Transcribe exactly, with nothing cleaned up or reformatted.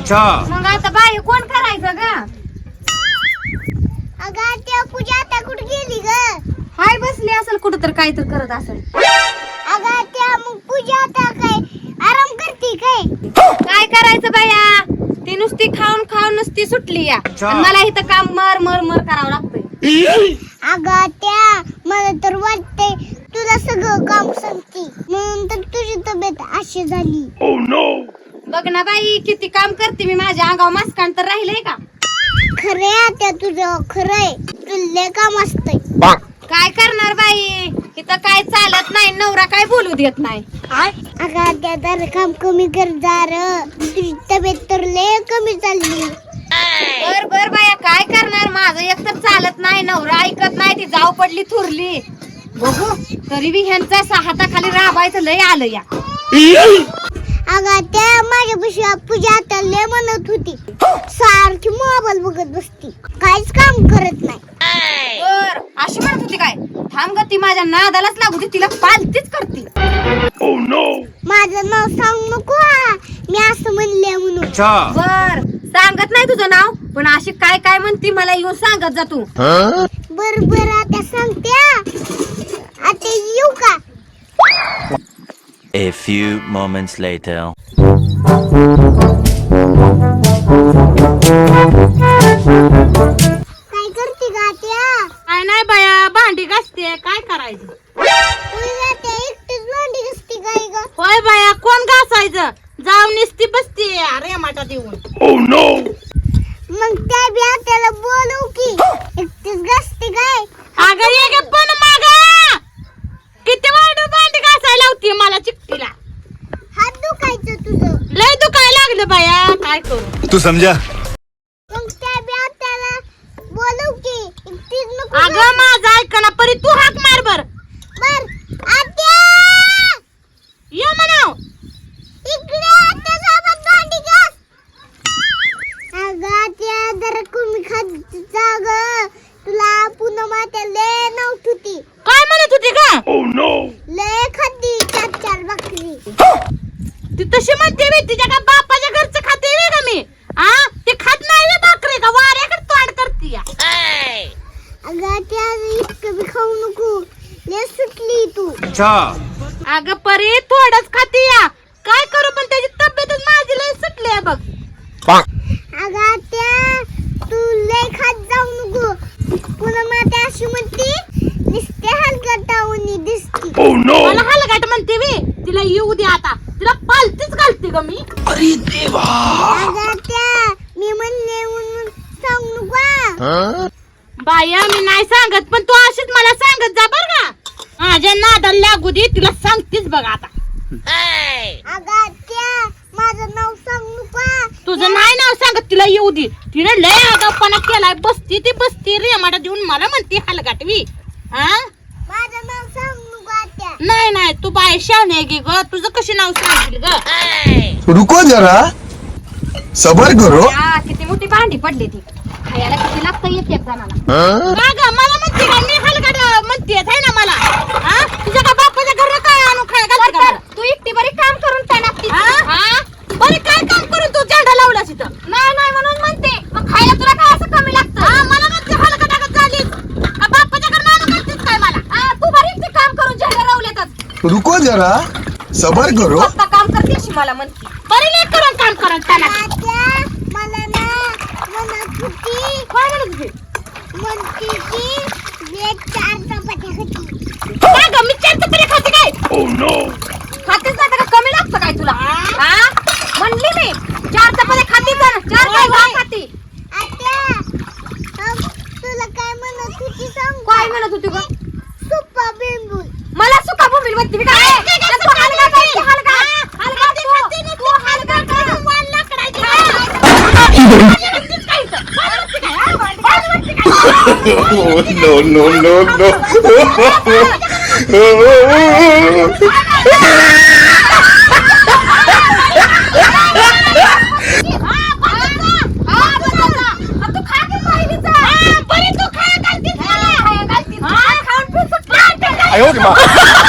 अच्छा मग आता बाई कोण करायचं ग? अगं त्या पूजा आता कुठे गेली ग? हाय बसली असेल कुठं तर काय तर करत असेल. अगं त्या मग पूजा आता काय आराम करते काय? काय करायचं बाया, ती नुसती खाऊन खाऊन नुसती सुटली या. आणि मला इथं काम मर मर मर करावं लागतंय. अगं त्या मला तर वाटतंय तुला सगळं काम सांगते म्हणून तर तुझी तब्येत अशी झाली. बघ ना बाई किती काम करते मी, माझ्या अंगावर मास्कान तर राहिलंय का? खरंय आता तुझं खरंय, तुला काम असतंय. काय करणार बाई, इथं काय चालत नाही, नवरा काय बोलू देत नाही. अगं त्या तर काम कमी कर जार, तुझी तब्येत तर लय कमी चालली. बर बर बाया काय करणार, माझं एक तर चालत नाही, नवरा ऐकत नाही, ती जाऊ पडली थुरली. बघू तरी बी ह्यांचा हाताखाली राबायचं लय आलं या. अगं त्या माझ्यापाशी पूजा आता लय म्हणत होती सारखी मोबाईल बघत बसती, काहीच काम करत नाही. बर अशी म्हणत होती काय? थांब ग, ती माझ्या नादालाच लागू दे, तिला पालतीच करते. माझं नाव सांग नको हा, मी असं म्हणले म्हणून. बर सांगत नाही तुझं नाव, पण अशी काय काय म्हणती मला येऊन सांगत जा तू. बर बर आता सांगते, आता येऊ का? A few moments later. काय करते गा त्या? काय नाही बाया, भांडी घासते, काय करायचं? तुला त्या एकटीच भांडी घासते काय ग? होय बाया, कोण घासायचं? जाऊन निसती बसते अरे माटा देऊन. मग त्या बी त्याला बोलू की एकटीच घासते काय? अगं ये गे पण मागा, किती वाढू भांडी घासायला होती मला चिकटीला. हात दुखायचं तुझं. लय दुखायला लागलं बाया, काय करू? तू समझा. मग त्या बी त्याला बोलू की एकटीच नको. अगं माझं ऐक ना परी, तू हाक मार बर. बर आत्या ये म्हणाव. इकडे आत्या सोबत भांडी घास. अगं त्या जरा कमी खात जा ग, तुला पुन्हा मात्या लय नाव ठुती. काय म्हणत होती का? लय खाती चार चार भाकरी. ती तशी म्हणते मी, तिच्या का बापाच्या घरचं खाते वे का मी? आ ते खात नाही वे भाकरी, का वाऱ्याकडे तोंड करती या. अगं त्या इतकं बी खाऊ नको, लय सुटली तू. अगं परी थोडंच खाती या, काय करू पण त्याची तब्येतच माझी लय सुटली आहे बघ. अगं त्या तू लय खात जाऊ नको, पुन्हा मात्या अशी म्हणती नुसते हलकटावणी दिसती. मला हलगाट म्हणते वे, तिला येऊ दे आता, तिला पालतीच घालते ग मी. अगं त्या मी म्हणले म्हणून सांगू नको. बाया मी नाही सांगत, पण तू अशीच मला सांगत जा बर का. माझ्या नादाला लागू दे, तिला सांगतेच बघ आता. अगं त्या माझं नाव सांगू नको. तुझं नाही नाव सांगत, तिला येऊ दे. तिने लय आगाऊपणा केलाय, बसती ती बसती रेमाडा देऊन मला म्हणते हलगाटवी. हा माझं नाव सांगू नको आत्या. नाही नाही, तू बाय शहाणे गे ग, तुझं कशी नाव सांगतील ग? रुको जरा, सबर करो. हा, किती मोठी भांडी पडली ती, खायला किती लागतं एक एक जणाला. का ग मला म्हणते का मी हलगाट म्हणते आहे ना मला? हा तुझ्या का बापाच्या घरला काय आणून खाय घालते का मला? तू एकटी बरी काम करून काय लागती? हा बरी काय काम करून तू झेंडा लावला तिथं? नाही नाही म्हणून म्हणते, मग खायला तुला काय असं कमी लागतं? हा मला म्हणते हलगाटागत झालीस का बापाच्या घरला आणून घालतेस काय मला? हा तू बरी एकटी काम करून झेंडा लावलेतच. रुको जरा, सबर करो. फक्त काम करते अशी मला म्हणते. बरी नाही करून काम करून त्याला. आत्या मला ना म्हणत होती, काय म्हणत होती? म्हणती की एक चार चपात्या खाती. काय ग मी चार चपात्या खाते काय? खातेच नाही का, कमी लागतं काय तुला? हा म्हणली मी चार चपात्या खाती, तर चार काय भात खाती. आत्या अग, तुला काय म्हणत होती सांगू? काय म्हणत होती ग? सुप्पा बिंबूल. मला सुका बोंबील म्हणते मी काय? तू हलगाट आहे, तू हलगाट. हलगाट तू, तू हलगाट आहे. वाल लाकडाची. No, no, no, no. तू खा आयो रे मा.